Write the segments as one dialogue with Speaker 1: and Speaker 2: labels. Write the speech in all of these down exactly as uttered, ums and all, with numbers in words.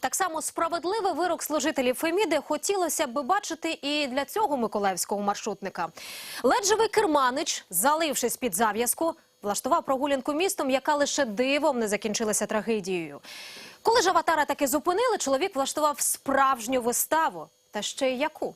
Speaker 1: Так само справедливий вирок служителів Феміди хотілося б бачити і для цього миколаївського маршрутника. Ледь живий керманич, залившись під зав'язку, влаштував прогулянку містом, яка лише дивом не закінчилася трагедією. Коли ж аватара таки зупинили, чоловік влаштував справжню виставу. Та ще й яку?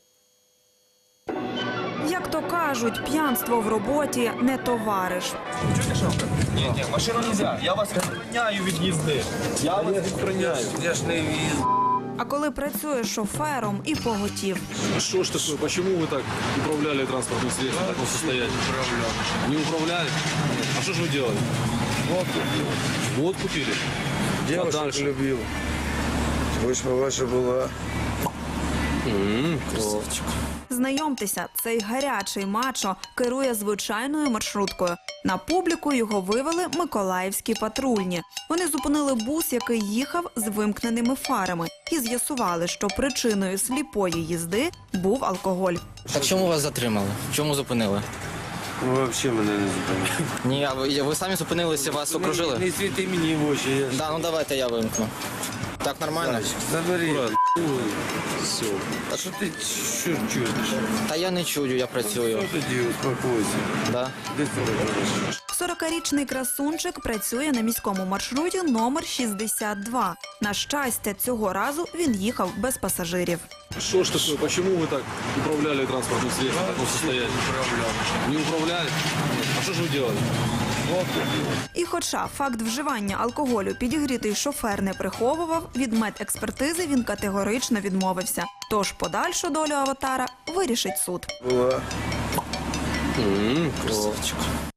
Speaker 2: Як то кажуть, п'янство в роботі не товариш.
Speaker 3: Чуєте, що? Ні, ні, машину не можна. Я вас відстраняю від їзди. Я вас відстраняю. Я ж не віз.
Speaker 2: А коли працює шофером і поготів.
Speaker 4: Что ж такое? Почему вы так управляли транспортным средством в таком состоянии? Не управляли? А что же вы делали?
Speaker 5: Водку пил.
Speaker 4: Водку пили? А
Speaker 5: Девушек
Speaker 4: дальше?
Speaker 5: любил. Вишня ваша була.
Speaker 4: Красавчик.
Speaker 2: Знайомтеся, цей гарячий мачо керує звичайною маршруткою. На публіку його вивели миколаївські патрульні. Вони зупинили бус, який їхав з вимкненими фарами, і з'ясували, що причиною сліпої їзди був алкоголь.
Speaker 6: Так чому вас затримали? Чому зупинили?
Speaker 5: Ви взагалі мене не зупинили.
Speaker 6: Ні, а ви, ви самі зупинилися, вас окружили?
Speaker 5: Не світи мені в очі. Я...
Speaker 6: Да, ну давайте я вимкну. Так нормально?
Speaker 5: Забери.
Speaker 4: Все.
Speaker 5: А що ти що чуєш?
Speaker 6: Та я не чую, я працюю.
Speaker 5: Що тоді успокойся?
Speaker 6: Да?
Speaker 5: Де ти робиш?
Speaker 2: сорокарічний красунчик працює на міському маршруті номер шістдесят два. На щастя, цього разу він їхав без пасажирів.
Speaker 4: Что ж такое? Почему вы так управляли транспортным средством в таком состоянии? Не управляли? А что же вы делали?
Speaker 5: Водку пил.
Speaker 2: І хоча факт вживання алкоголю підігрітий шофер не приховував, від медекспертизи він категорично відмовився. Тож подальшу долю аватара вирішить суд.
Speaker 5: Була.
Speaker 4: Красавчик.